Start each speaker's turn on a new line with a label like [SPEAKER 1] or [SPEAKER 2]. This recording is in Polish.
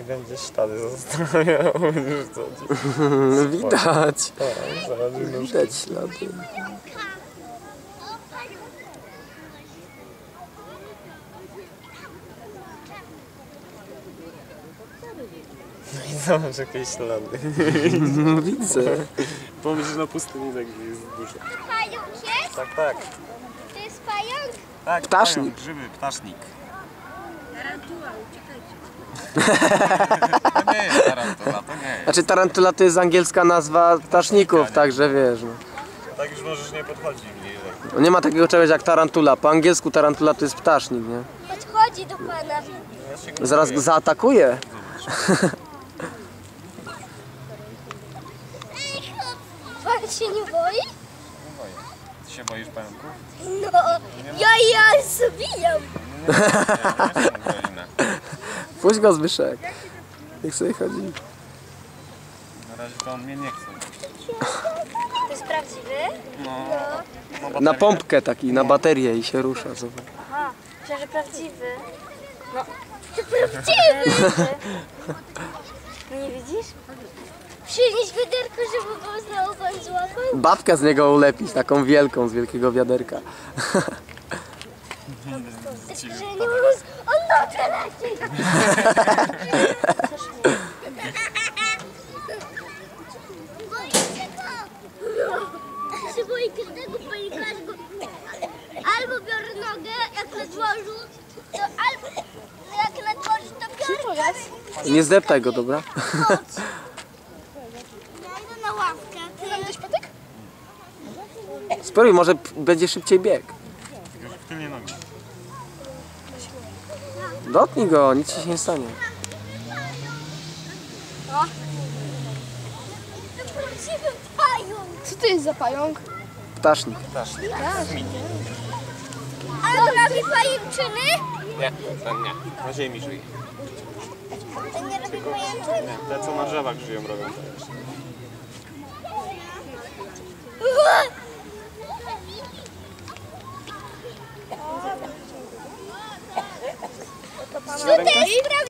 [SPEAKER 1] I będzie ślady zostawiał.
[SPEAKER 2] Widać.
[SPEAKER 1] Tak, zaraz
[SPEAKER 2] Widać ślady.
[SPEAKER 1] No i zobacz jakieś ślady.
[SPEAKER 2] No widzę.
[SPEAKER 1] Pomyśl na pustyni, tak jest dużo.
[SPEAKER 3] Pająk jest?
[SPEAKER 1] Tak, tak.
[SPEAKER 3] To jest pająk?
[SPEAKER 1] Tak,
[SPEAKER 2] Ptasznik.
[SPEAKER 1] pająk, grzyby, ptasznik.
[SPEAKER 3] Tarantula, uciekajcie.
[SPEAKER 1] To nie jest tarantula, to nie jest.
[SPEAKER 2] Znaczy tarantula to jest angielska nazwa ptaszników, także wiesz. No.
[SPEAKER 1] Tak już możesz nie podchodzić bliżej.
[SPEAKER 2] Nie ma takiego czegoś jak tarantula. Po angielsku tarantula to jest ptasznik, nie?
[SPEAKER 3] Podchodzi do pana.
[SPEAKER 1] Ja się go
[SPEAKER 2] Zaraz
[SPEAKER 1] boję.
[SPEAKER 2] go zaatakuje.
[SPEAKER 3] Pan się nie boi?
[SPEAKER 1] Nie boję. Ty się boisz pająków?
[SPEAKER 3] No, ja zabijam.
[SPEAKER 1] Nie się boimy.
[SPEAKER 2] Puść go, Zbyszek. Niech sobie chodzi.
[SPEAKER 1] Na razie to on mnie nie chce.
[SPEAKER 3] To jest prawdziwy?
[SPEAKER 1] No,
[SPEAKER 2] Na pompkę taki, na baterię i się rusza. Zobacz.
[SPEAKER 3] Aha, myślę, że prawdziwy. No, to prawdziwy! No nie widzisz? Przynieś wiaderko, żeby go znowu pan złapał.
[SPEAKER 2] Babkę z niego ulepić, taką wielką, z wielkiego wiaderka.
[SPEAKER 3] Że nie mógł... On dobrze leci! Boję się go! Ja się boję każdego panika, albo biorę nogę, jak na dworzu, to albo jak na dworzu, to biorę.
[SPEAKER 2] Nie zdeptaj go, dobra?
[SPEAKER 3] Ja idę na ławkę. Ty mam gdzieś patyk?
[SPEAKER 2] Spróbuj, może będzie szybciej bieg.
[SPEAKER 1] Tylko w tylnie nogi.
[SPEAKER 2] Dotknij go, nic ci się nie stanie.
[SPEAKER 3] To prawdziwy pająk.
[SPEAKER 4] Co to jest za pająk?
[SPEAKER 2] Ptasznik.
[SPEAKER 3] Ale to robi pajęczyny?
[SPEAKER 1] Nie, ten nie. Na ziemi żyje.
[SPEAKER 3] To nie robi pajęczyn?
[SPEAKER 1] Nie, te co na drzewach żyją robią to jeszcze.
[SPEAKER 3] To też